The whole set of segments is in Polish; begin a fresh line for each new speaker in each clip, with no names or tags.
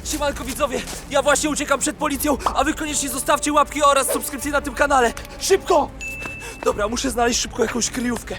Siemanko widzowie, ja właśnie uciekam przed policją, a wy koniecznie zostawcie łapki oraz subskrypcję na tym kanale. Szybko! Dobra, muszę znaleźć szybko jakąś kryjówkę.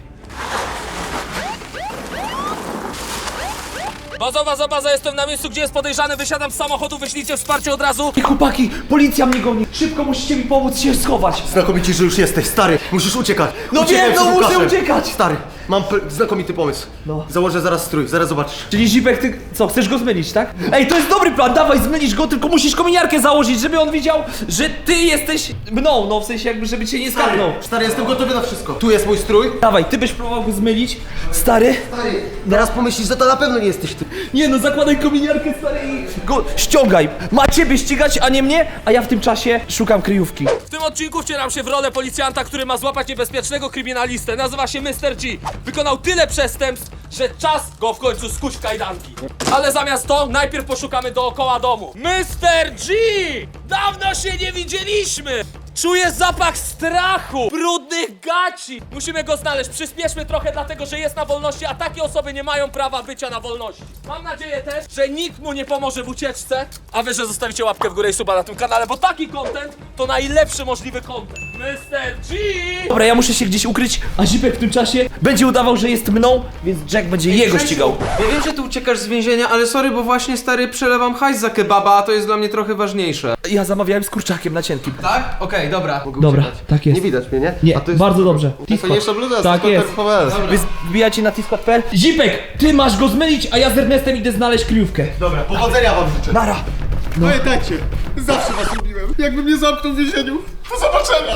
Baza, jestem na miejscu, gdzie jest podejrzany, wysiadam z samochodu, wyślijcie wsparcie od razu. I chłopaki, policja mnie goni, szybko musicie mi pomóc się schować.
Znakomicie, że już jesteś, stary, musisz uciekać.
No
Uciekaj
wiem, no
przed
muszę
Łukaszem.
uciekać.
Stary, mam znakomity pomysł.
No.
Założę zaraz strój, zaraz zobaczysz.
Czyli Zipek, ty co, chcesz go zmylić, tak? Ej, to jest dobry plan, dawaj, zmylisz go, tylko musisz kominiarkę założyć, żeby on widział, że ty jesteś mną, no w sensie jakby, żeby cię nie skapnął.
Stary, jestem gotowy na wszystko. Tu jest mój strój.
Dawaj, ty byś próbował go zmylić, stary.
Stary, teraz pomyślisz, że to na pewno nie jesteś ty.
Nie no, zakładaj kominiarkę, stary, i go ściągaj. Ma ciebie ścigać, a nie mnie, a ja w tym czasie szukam kryjówki. W tym odcinku wcielam się w rolę policjanta, który ma złapać niebezpiecznego kryminalistę. Nazywa się Mr. G. Wykonał tyle przestępstw, że czas go w końcu skuć w kajdanki. Ale zamiast to, najpierw poszukamy dookoła domu. Mr. G! Dawno się nie widzieliśmy! Czuję zapach strachu, brudnych gaci. Musimy go znaleźć, przyspieszmy trochę, dlatego że jest na wolności, a takie osoby nie mają prawa bycia na wolności. Mam nadzieję też, że nikt mu nie pomoże w ucieczce, a wy, że zostawicie łapkę w górę i suba na tym kanale, bo taki content to najlepszy możliwy content. Mr. G! Dobra, ja muszę się gdzieś ukryć, a Zipek w tym czasie będzie udawał, że jest mną, więc Jack będzie jego ścigał.
Ja wiem, że ty uciekasz z więzienia, ale sorry, bo właśnie stary przelewam hajs za kebaba, a to jest dla mnie trochę ważniejsze.
Ja zamawiałem z kurczakiem na cienkim.
Tak? Okej, dobra.
Dobra, tak jest.
Nie widać mnie, nie?
Nie,
A to jest
bardzo dobrze.
najfajniejsza bluza,
Tak jest.
Tak
Wy wbijacie na Tiskot.pl. Zipek, ty masz go zmylić, a ja z Ernestem idę znaleźć kryjówkę.
Dobra, powodzenia wam życzę.
Nara!
Pamiętajcie, zawsze was lubiłem. Jakby mnie zamknął w więzieniu. Do zobaczenia.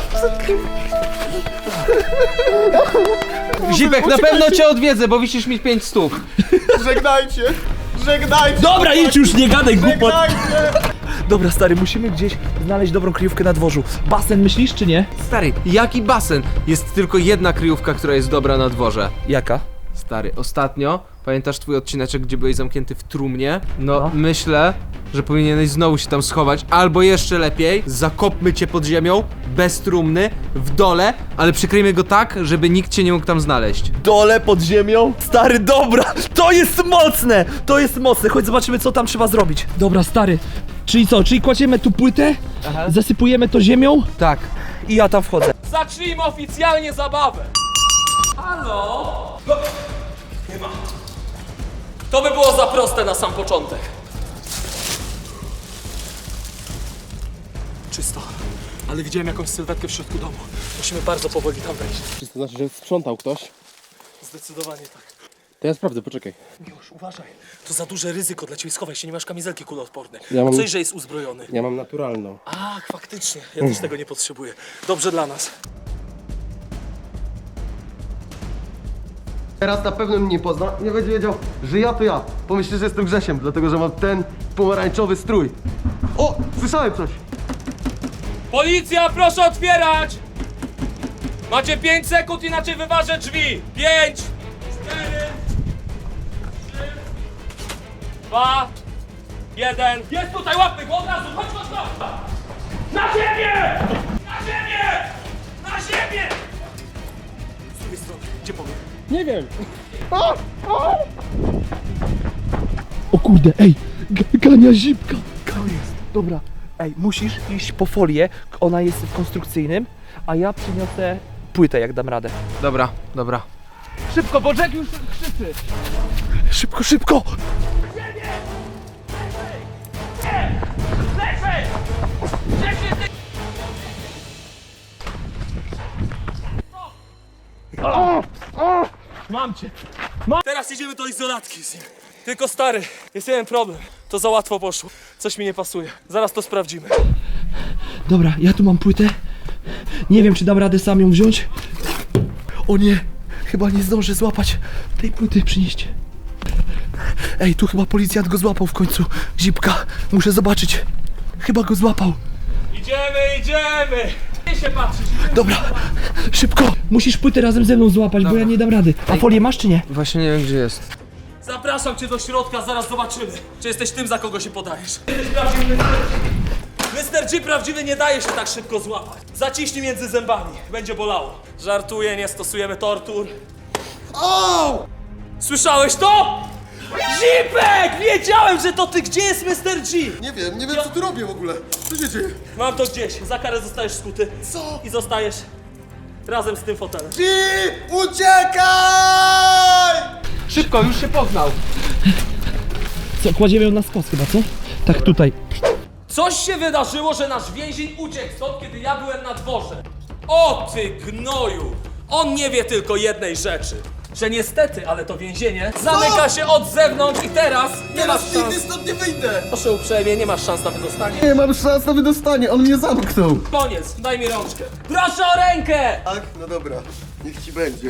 Zipek, na pewno cię odwiedzę, bo wisisz mi 5 stóp.
Żegnajcie. Żegnajcie.
Dobra, idź już, nie gadaj głupot.
Żegnajcie.
Dobra, stary, musimy gdzieś znaleźć dobrą kryjówkę na dworzu. Basen myślisz, czy nie?
Stary, jaki basen? Jest tylko jedna kryjówka, która jest dobra na dworze.
Jaka?
Stary, ostatnio, pamiętasz twój odcineczek, gdzie byłeś zamknięty w trumnie? No,
No.
myślę, że powinieneś znowu się tam schować, albo jeszcze lepiej, zakopmy cię pod ziemią, bez trumny, w dole, ale przykryjmy go tak, żeby nikt cię nie mógł tam znaleźć.
Dole pod ziemią? Stary, dobra! To jest mocne! To jest mocne, chodź zobaczymy, co tam trzeba zrobić. Dobra, stary. Czyli co? Czyli kładziemy tu płytę, zasypujemy to ziemią
Tak.
i ja tam wchodzę. Zacznijmy oficjalnie zabawę. Halo? Nie ma. To by było za proste na sam początek. Czysto. Ale widziałem jakąś sylwetkę w środku domu. Musimy bardzo powoli tam wejść.
Czy to znaczy, że sprzątał ktoś?
Zdecydowanie tak.
To ja sprawdzę, poczekaj.
Miłosz, uważaj. To za duże ryzyko dla ciebie. Schowaj się, nie masz kamizelki kuloodpornej.
Ja mam-
Coś, że jest uzbrojony.
Ja mam naturalną.
Ach, faktycznie. Ja też tego nie potrzebuję. Dobrze dla nas.
Teraz na pewno mnie nie pozna, nie będzie wiedział, że ja to ja. Pomyśli, że jestem Grzesiem, dlatego że mam ten pomarańczowy strój. O, słyszałem coś.
Policja, proszę otwierać! Macie 5 sekund, inaczej wyważę drzwi. 5, 4, 3, 2, 1. Jest tutaj, łapmy go od razu, chodź, chodź, chodź! Na ziemię! Na ziemię! Na ziemię! Z drugiej strony, gdzie powiem?
Nie wiem!
O kurde, ej, gania Zipka. To jest, dobra. Ej, musisz iść po folię, ona jest w konstrukcyjnym, a ja przyniosę płytę, jak dam radę.
Dobra, dobra.
Szybko, bo Jack już krzyczy. Szybko, szybko! Mam cię! Teraz idziemy do izolatki z nim. Tylko stary, jest jeden problem. To za łatwo poszło. Coś mi nie pasuje. Zaraz to sprawdzimy. Dobra, ja tu mam płytę. Nie wiem, czy dam radę sam ją wziąć. O nie, chyba nie zdążę złapać tej płyty, przynieście. Ej, tu chyba policjant go złapał w końcu. Zipka, muszę zobaczyć. Chyba go złapał. Idziemy! Nie się patrzysz. Dobra, szybko. Musisz płytę razem ze mną złapać, bo ja nie dam rady. A folię masz czy nie?
Właśnie nie wiem, gdzie jest.
Zapraszam cię do środka, zaraz zobaczymy, czy jesteś tym, za kogo się podajesz. Jesteś prawdziwy Mr. G prawdziwy nie daje się tak szybko złapać. Zaciśnij między zębami, będzie bolało. Żartuję, nie stosujemy tortur. O! Słyszałeś to? Zipek! Wiedziałem, że to ty! Gdzie jest Mr. G?
Nie wiem co tu robię w ogóle. Co się dzieje?
Mam to gdzieś. Za karę zostajesz skuty.
Co?
I zostajesz razem z tym fotelem.
G! Uciekaj!
Szybko, już się poznał.
Co, kładziemy ją na skos chyba, co? Tak tutaj.
Coś się wydarzyło, że nasz więzień uciekł stąd, kiedy ja byłem na dworze. O ty gnoju! On nie wie tylko jednej rzeczy. Że niestety, ale to więzienie zamyka się od zewnątrz i teraz nie masz
Teraz nigdy
szans.
stąd nie wyjdę!
Proszę uprzejmie, nie masz szans na wydostanie.
Nie mam szans na wydostanie, on mnie zamknął.
Koniec, daj mi rączkę. Proszę o rękę!
Tak? No dobra, niech ci będzie.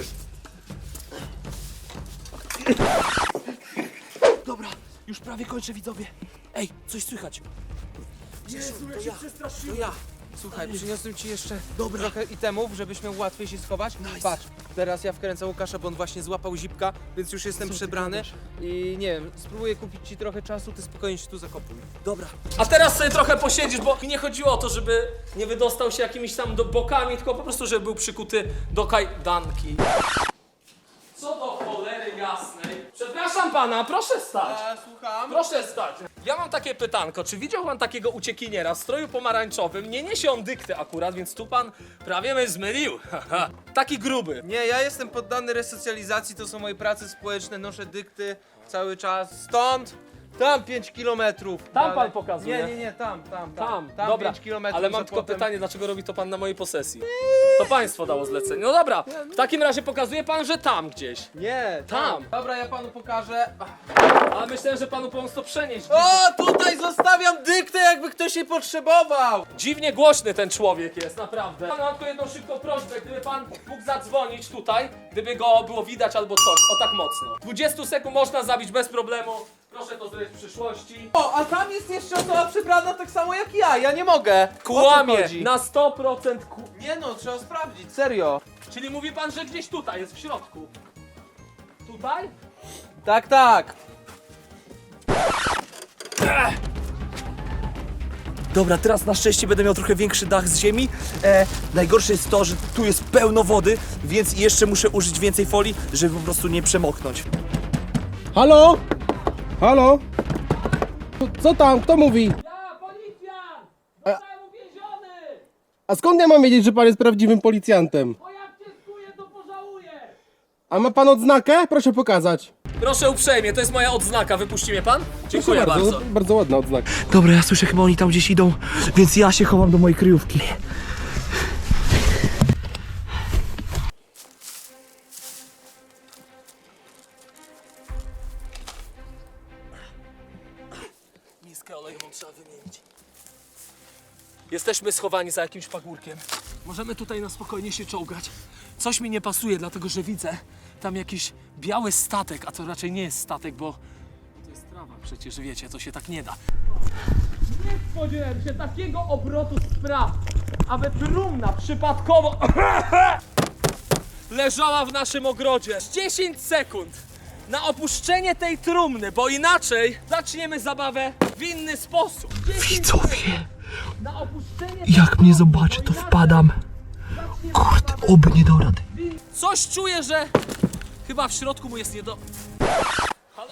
Dobra, już prawie kończę, widzowie. Ej, coś słychać. Jezu, ja się przestraszyłem.
To ja. Słuchaj, przyniosłem ci jeszcze trochę itemów, żebyś miał łatwiej się schować. Patrz, teraz ja wkręcam Łukasza, bo on właśnie złapał zipka, więc już jestem przebrany i nie wiem, spróbuję kupić ci trochę czasu, ty spokojnie się tu zakopuj.
Dobra. A teraz sobie trochę posiedzisz, bo mi nie chodziło o to, żeby nie wydostał się jakimiś tam bokami, tylko po prostu, żeby był przykuty do kajdanki. Co do cholery jasnej. Przepraszam pana, proszę stać.
Słucham?
Proszę stać. Ja mam takie pytanko, czy widział pan takiego uciekiniera w stroju pomarańczowym? Nie niesie on dykty akurat, więc tu pan prawie mnie zmylił. Haha. Taki gruby.
Nie, ja jestem poddany resocjalizacji, to są moje prace społeczne, noszę dykty cały czas. Stąd, tam 5 kilometrów.
Tam pan pokazuje?
Nie, tam.
Tam,
Tam
dobra,
5 kilometrów.
ale mam
za
tylko
płotem.
pytanie, dlaczego robi to pan na mojej posesji? To państwo dało zlecenie. No dobra, w takim razie pokazuje pan, że tam gdzieś.
Nie,
Tam.
Dobra, ja panu pokażę.
Ale myślałem, że panu pomóc to przenieść.
O, tutaj zostawiam dyktę, jakby ktoś jej potrzebował.
Dziwnie głośny ten człowiek jest, naprawdę. Mam tylko jedną szybką prośbę, gdyby pan mógł zadzwonić tutaj, gdyby go było widać albo coś, o tak mocno. 20 sekund można zabić bez problemu. Proszę to zrobić w przyszłości.
O, a tam jest jeszcze osoba przebrana tak samo jak ja nie mogę. O co
Kłamie,
chodzi?
na 100%
Nie no, trzeba sprawdzić, serio.
Czyli mówi pan, że gdzieś tutaj jest w środku. Tutaj?
Tak.
Dobra, teraz na szczęście będę miał trochę większy dach z ziemi. Najgorsze jest to, że tu jest pełno wody, więc jeszcze muszę użyć więcej folii, żeby po prostu nie przemoknąć.
Halo? Halo? Co tam? Kto mówi?
Ja, policjant! Zostałem uwięziony!
A skąd ja mam wiedzieć, że pan jest prawdziwym policjantem?
Bo jak cię skuję, to pożałuję!
A ma pan odznakę? Proszę pokazać.
Proszę uprzejmie, to jest moja odznaka, wypuści mnie pan? Dziękuję
Proszę
bardzo.
bardzo ładna odznaka.
Dobra, ja słyszę, chyba oni tam gdzieś idą, więc ja się chowam do mojej kryjówki.
Miskę olejową trzeba wymienić. Jesteśmy schowani za jakimś pagórkiem. Możemy tutaj na spokojnie się czołgać. Coś mi nie pasuje, dlatego że widzę tam jakiś biały statek, a to raczej nie jest statek, bo to jest trawa. Przecież wiecie, to się tak nie da. Nie spodziewałem się takiego obrotu spraw, aby trumna przypadkowo leżała w naszym ogrodzie. 10 sekund na opuszczenie tej trumny, bo inaczej zaczniemy zabawę w inny sposób. 10
Widzowie,
na opuszczenie tej
jak mnie
trumny,
zobaczy,
bo
to
inaczej
wpadam.
zaczniemy
Kurde,
zabawę
oby nie dał rady.
Coś czuję, że chyba w środku mu jest nie do... Halo?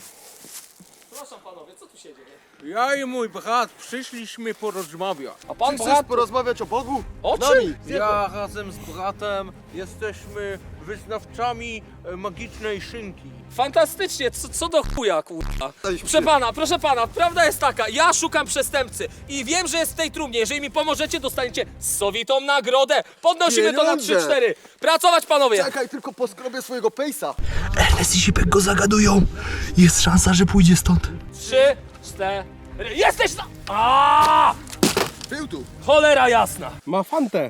Proszę panowie, co tu się dzieje?
Ja i mój brat przyszliśmy porozmawiać.
A pan
Chcesz porozmawiać o Bogu?
O
Z
czym?
nami.
Ja razem z bratem jesteśmy wyznawcami magicznej szynki.
Fantastycznie, co do chuja, kurwa.
Daliśmy
Proszę pana, prawda jest taka, ja szukam przestępcy i wiem, że jest w tej trumnie. Jeżeli mi pomożecie, dostaniecie sowitą nagrodę. Podnosimy to na
Pieniądze.
3-4. Pracować, panowie!
Czekaj, tylko poskrobię swojego pejsa.
Ernest i Zipek go zagadują. Jest szansa, że pójdzie stąd.
3, 4... Jesteś na... Aaaa!
Był tu.
Cholera jasna!
Ma fantę.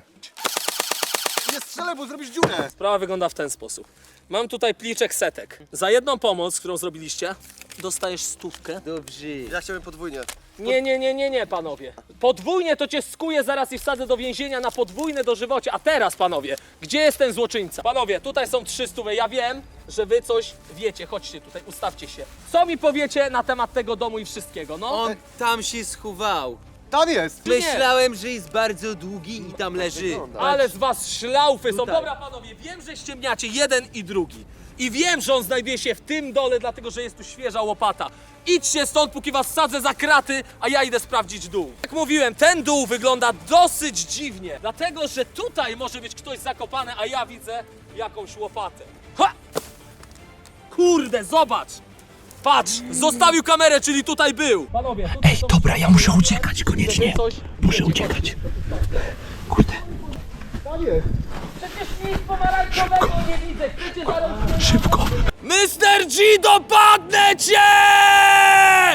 Nie strzelaj, bo zrobisz dziurę.
Sprawa wygląda w ten sposób. Mam tutaj pliczek setek. Za jedną pomoc, którą zrobiliście, dostajesz 100.
Dobrze.
Ja chciałem podwójnie.
Nie, panowie. Podwójnie to cię skuję zaraz i wsadzę do więzienia na podwójne dożywocie. A teraz, panowie, gdzie jest ten złoczyńca? Panowie, tutaj są 300. Ja wiem, że wy coś wiecie. Chodźcie tutaj, ustawcie się. Co mi powiecie na temat tego domu i wszystkiego, no?
On tam się schował.
Tam jest.
Myślałem, że jest bardzo długi i tam leży.
wygląda.
Ale z was szlaufy są.
Tutaj.
Dobra, panowie, wiem, że ściemniacie jeden i drugi. I wiem, że on znajduje się w tym dole, dlatego że jest tu świeża łopata. Idźcie stąd, póki was sadzę za kraty, a ja idę sprawdzić dół. Jak mówiłem, ten dół wygląda dosyć dziwnie, dlatego że tutaj może być ktoś zakopany, a ja widzę jakąś łopatę. Ha! Kurde, zobacz! Patrz, zostawił kamerę, czyli tutaj był. Panowie, tutaj
Ej, dobra, ja muszę uciekać koniecznie. Muszę uciekać. Kurde.
Przecież nic pomarańczowego nie widzę, chcecie zaraz...
Szybko.
Mr. G, dopadnę cię!